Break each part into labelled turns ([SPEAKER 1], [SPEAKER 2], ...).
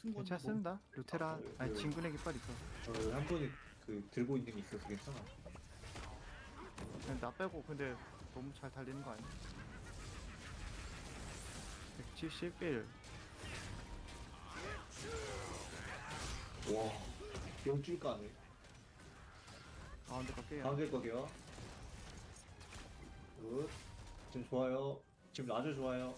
[SPEAKER 1] 괜찮습니다. 루테라 아니 진군의 깃발 있어.
[SPEAKER 2] 한 번에 그 들고 있는 게 있어서 괜찮아.
[SPEAKER 1] 그냥 나 빼고 근데 너무 잘 달리는 거 아니야? 171.
[SPEAKER 2] 와, 영줄 까네.
[SPEAKER 1] 가운데 갈게요.
[SPEAKER 2] 가운데 거게요. 굿. 지금 좋아요. 지금 아주 좋아요.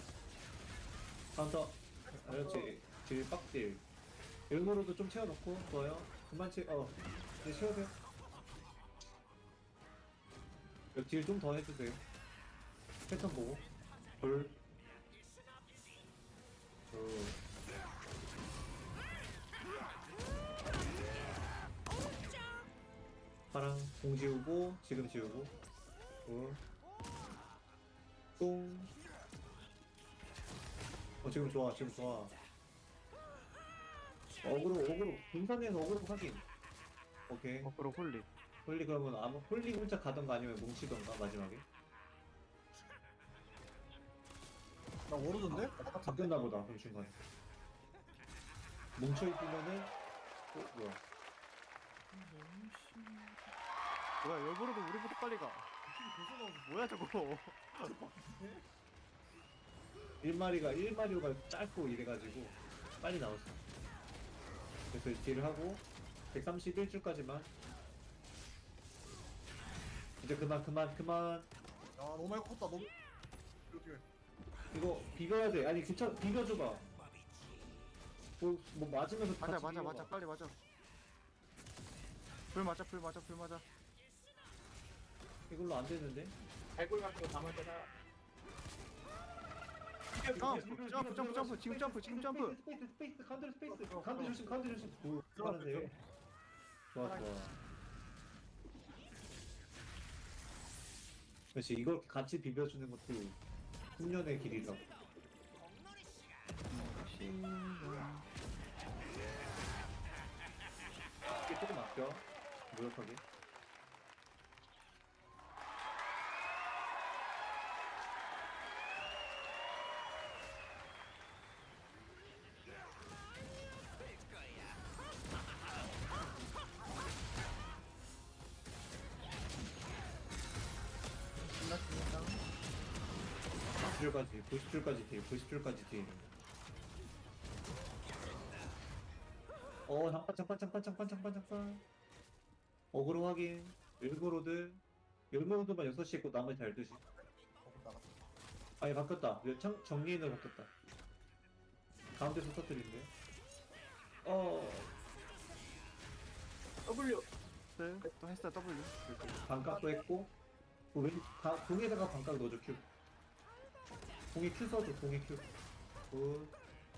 [SPEAKER 2] 카운터. 그렇지. 딜 빡딜. 일부러도 좀 채워놓고 좋아요. 그만 이제 채워세요. 여기 딜 좀 더 해주세요. 패턴 보고. 돌. 파랑 공 지우고 지금 지우고 똥. 지금 좋아 지금 좋아. 어그로 분산해서 어그로 확인. 오케이.
[SPEAKER 1] 거꾸로 홀리.
[SPEAKER 2] 홀리 그러면 아마 홀리 혼자 가던가 아니면 뭉치던가 마지막에.
[SPEAKER 3] 나 모르던데?
[SPEAKER 2] 바뀌었나 보다 그 중간에. 뭉쳐있으면은 뭐야.
[SPEAKER 1] 뭐야 일부러도 우리보다 빨리 가. 뭐야 저거.
[SPEAKER 2] 1마리오가 짧고 이래가지고 빨리 나왔어. 그래서 딜을 하고 131줄까지만. 이제 그만.
[SPEAKER 3] 야 너무 많이 컸다 너무 어떻게
[SPEAKER 2] 이거 비벼야 돼. 아니 괜찮아. 비벼줘봐. 뭐 맞으면서 같이
[SPEAKER 1] 맞아
[SPEAKER 2] 비벼봐.
[SPEAKER 1] 빨리 맞아. 불 맞아.
[SPEAKER 2] 이걸로 안 되는데.
[SPEAKER 4] 발굴 같은 거 담을 때나
[SPEAKER 1] 점프 지금 점프.
[SPEAKER 2] 스페이스 가운데 조심. 잘하세요. 좋아. 그렇지. 이걸 같이 비벼주는 것도 훈련의 길이라고. 이게 조금 아껴. 무력하게.
[SPEAKER 1] 끝났습니다.
[SPEAKER 2] 90줄까지 딜. 잠깐. 어그로 확인. 열무로드만 6시 있고 나머지 12시.
[SPEAKER 3] 나갔다
[SPEAKER 2] 아니, 바뀌었다. 정리인으로 바뀌었다. 가운데서 터뜨린대.
[SPEAKER 4] W
[SPEAKER 1] 또 했어 W.
[SPEAKER 2] 반각도 했고, 공에다가 반각 넣어줘, 큐. 공에 큐 써줘, 공에 큐. 굿.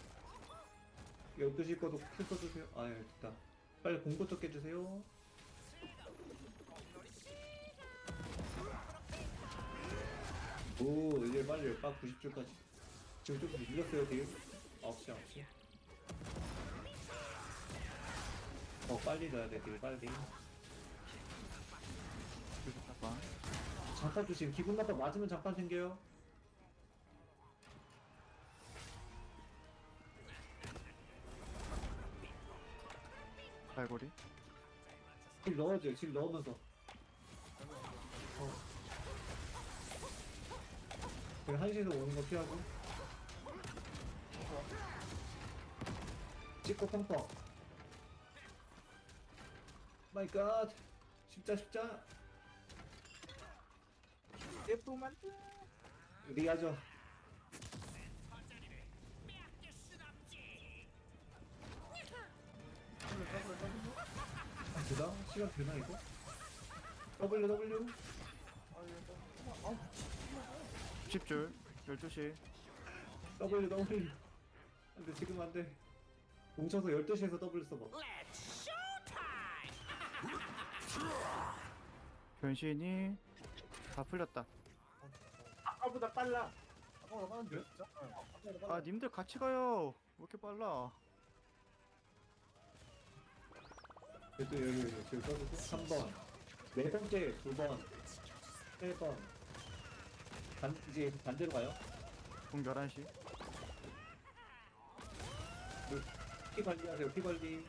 [SPEAKER 2] 12시 거도 큐 써주세요. 됐다. 빨리 공부터 깨주세요. 이제 빨리 빡 90줄까지. 지금 좀 밀렸어요, 딜. 9시. 빨리 넣어야 돼, 딜, 빨리.
[SPEAKER 1] 잠깐.
[SPEAKER 2] 장판 조심. 기분 나빠 맞으면 장판 생겨요.
[SPEAKER 1] 발고리.
[SPEAKER 2] 딜 넣어줘요. 딜 넣으면서. 그냥 한시에서 오는 거 피하고. 찍고 펑펑. 마이 갓. 십자.
[SPEAKER 4] F만
[SPEAKER 2] 리하죠. 되나? 시간 되나 이거? W
[SPEAKER 1] 10줄 12시.
[SPEAKER 2] W 안돼 지금 안돼. 뭉쳐서 12시에서 W 써봐.
[SPEAKER 1] 변신이 다 풀렸다.
[SPEAKER 4] 아까보다 빨라.
[SPEAKER 3] 아까보다 빠른데? 진짜? 아까보다
[SPEAKER 1] 아
[SPEAKER 3] 빨라
[SPEAKER 1] 님들 같이 가요. 왜 이렇게 빨라?
[SPEAKER 2] 그래도 여기 지금 써주고 3번 네 번째 2번 3번 이제 반대로 가요.
[SPEAKER 1] 공 11시.
[SPEAKER 2] 피 관리하세요. 피 관리.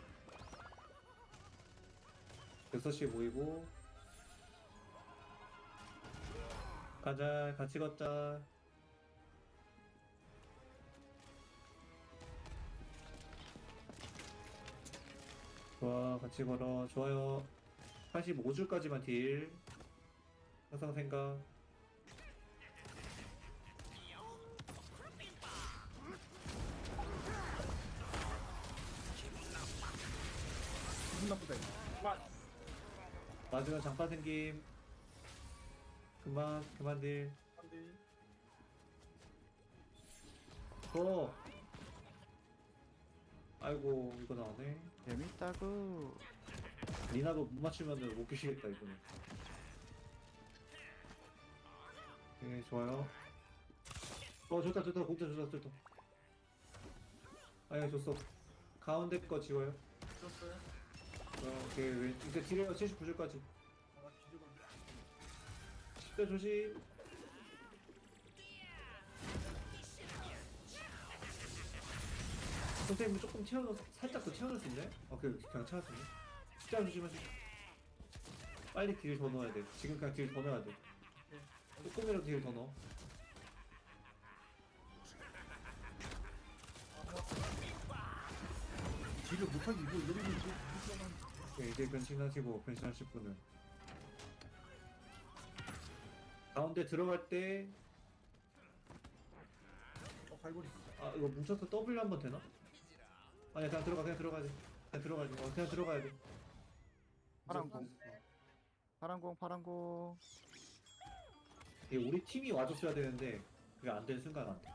[SPEAKER 2] 6시에 모이고 가자. 같이 걷자. 좋아. 같이 걸어. 좋아요. 85줄까지만 딜. 항상 생각.
[SPEAKER 3] 기분 나쁘다 이거.
[SPEAKER 4] 그만.
[SPEAKER 2] 마지막 장파 생김. 그만 딜.
[SPEAKER 3] 안돼.
[SPEAKER 2] 고! 아이고, 이거 나오네.
[SPEAKER 1] 재밌다구.
[SPEAKER 2] 리나도 못 맞추면은 못 끼시겠다, 이거는. 네, 좋아요. 좋다. 공짜 좋다. 아예 줬어. 가운데 거 지워요.
[SPEAKER 3] 줬어요.
[SPEAKER 2] 오케이, 이제 딜해요. 79줄까지.
[SPEAKER 3] 아 뒤집어.
[SPEAKER 2] 10대 조심. 선생님 조금 살짝 더 채워줄 수 있나요? 그냥 채웠네. 숫자 조심하시고. 빨리 딜 더 넣어야 돼. 지금 그냥 딜 더 넣어야 돼. 조금이라도 딜 더 넣어.
[SPEAKER 3] 딜을 못하지 이거 이러면 이제
[SPEAKER 2] 네, 이제 변신하실 분은 가운데 들어갈 때
[SPEAKER 3] 갈고리.
[SPEAKER 2] 이거 뭉쳐서 W 한번 되나? 아니 그냥 들어가야지. 그냥 들어가야 돼.
[SPEAKER 1] 파란공.
[SPEAKER 2] 이게 우리 팀이 와줬어야 되는데 그게 안 되는 순간 안 돼.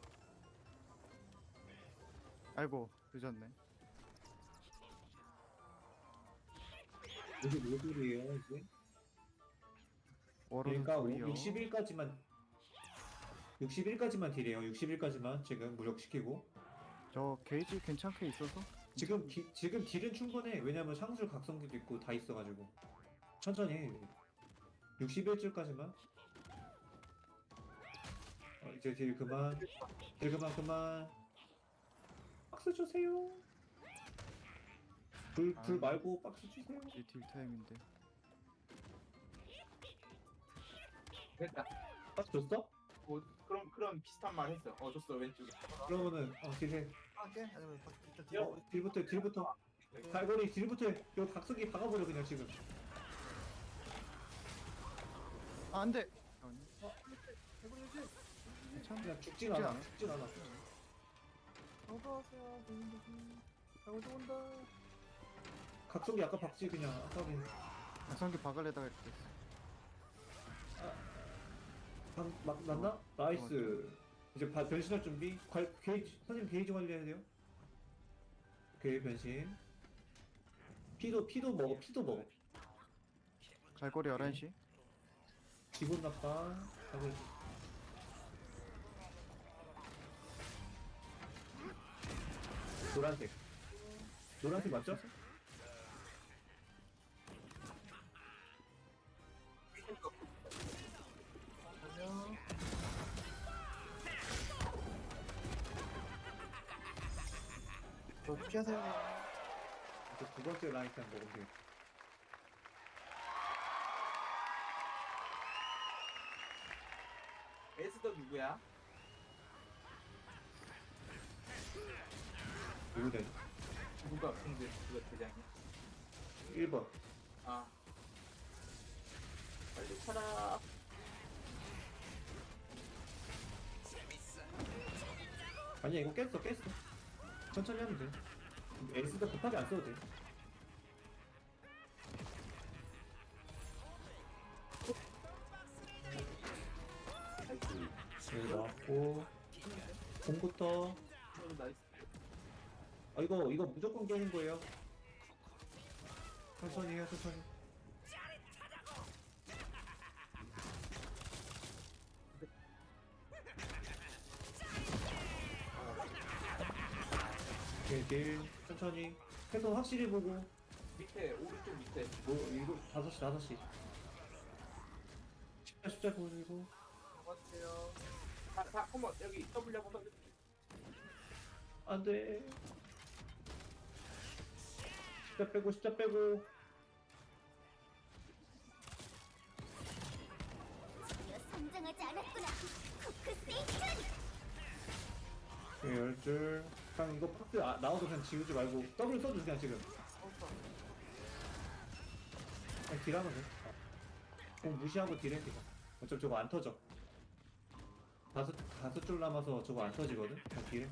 [SPEAKER 1] 아이고 늦었네.
[SPEAKER 2] 이게 뭐 소리예요 이제?
[SPEAKER 1] 워로드
[SPEAKER 2] 그러니까
[SPEAKER 1] 소리요.
[SPEAKER 2] 61까지만 딜해요. 61까지만 지금 무력시키고
[SPEAKER 1] 저 게이지 괜찮게 있어서
[SPEAKER 2] 지금 딜은 충분해. 왜냐면 상술 각성기도 있고 다 있어가지고 천천히 해. 61줄까지만. 이제 딜 그만. 박스 주세요. 불 말고 박스 주세요.
[SPEAKER 1] 이제 딜 타임인데.
[SPEAKER 4] 됐다.
[SPEAKER 2] 박스 줬어?
[SPEAKER 4] 뭐 그런 비슷한 말 했어. 줬어 왼쪽에.
[SPEAKER 2] 그러면은 딜해.
[SPEAKER 3] 할게. 아니면 일단
[SPEAKER 2] 딜부터 갈고리 딜부터 해. 이거 각성기 박아버려 그냥 지금.
[SPEAKER 1] 아 안돼.
[SPEAKER 3] 해보려지.
[SPEAKER 1] 괜찮아.
[SPEAKER 2] 그냥 죽진 않아.
[SPEAKER 3] 어서오세요. 갈고리 온다.
[SPEAKER 2] 각성기 아까 박지 그냥 아까비.
[SPEAKER 1] 각성기 박을래다가 이렇게 됐어.
[SPEAKER 2] 맞나? 나이스. 이제 변신할 준비. 선생님 게이지 관리해야 돼요. 오케이 변신. 피도 먹어.
[SPEAKER 1] 갈고리 11시.
[SPEAKER 2] 기분 나빠. 노란색 맞죠?
[SPEAKER 3] 안녕. 저 피하세요.
[SPEAKER 2] 이제 두 번째 라인 그냥 먹으면 되겠다.
[SPEAKER 4] 에스더 누구야?
[SPEAKER 2] 누구 돼?
[SPEAKER 4] 누가 대장이야?
[SPEAKER 2] 1번.
[SPEAKER 4] 아. 빨리 차라.
[SPEAKER 2] 아니야 이거 깼어. 천천히 하면 돼. 에이스도 급하게 안 써도 돼. 여기 나왔고 공부터.
[SPEAKER 4] 나이스.
[SPEAKER 2] 이거 무조건 깨는 거예요. 천천히 해요. 딜 천천히 패턴 확실히 보고.
[SPEAKER 4] 밑에 오른쪽 밑에.
[SPEAKER 2] 이거 5시 숫자 보시고.
[SPEAKER 3] 안녕하세요.
[SPEAKER 4] 한번 여기 W 한번 더.
[SPEAKER 2] 안돼. 십자 빼고 십자 빼고.
[SPEAKER 5] 드디어 성장하지 않았구나. 코크 세이튼.
[SPEAKER 2] 네, 10줄. 그냥 이거 박스 나와도 그냥 지우지 말고 W 써주세요 그냥 지금. 그냥 딜하면 돼. 공 무시하고 딜해 그냥. 어차피 저거 안 터져. 다섯 줄 남아서 저거 안 터지거든. 그냥 딜해.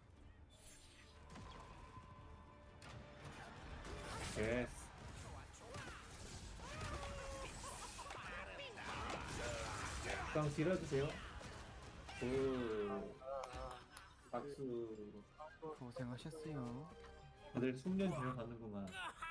[SPEAKER 2] 예스. 그냥 딜해주세요. 박수.
[SPEAKER 1] 고생하셨어요.
[SPEAKER 2] 다들 숙련 중에 가는구만.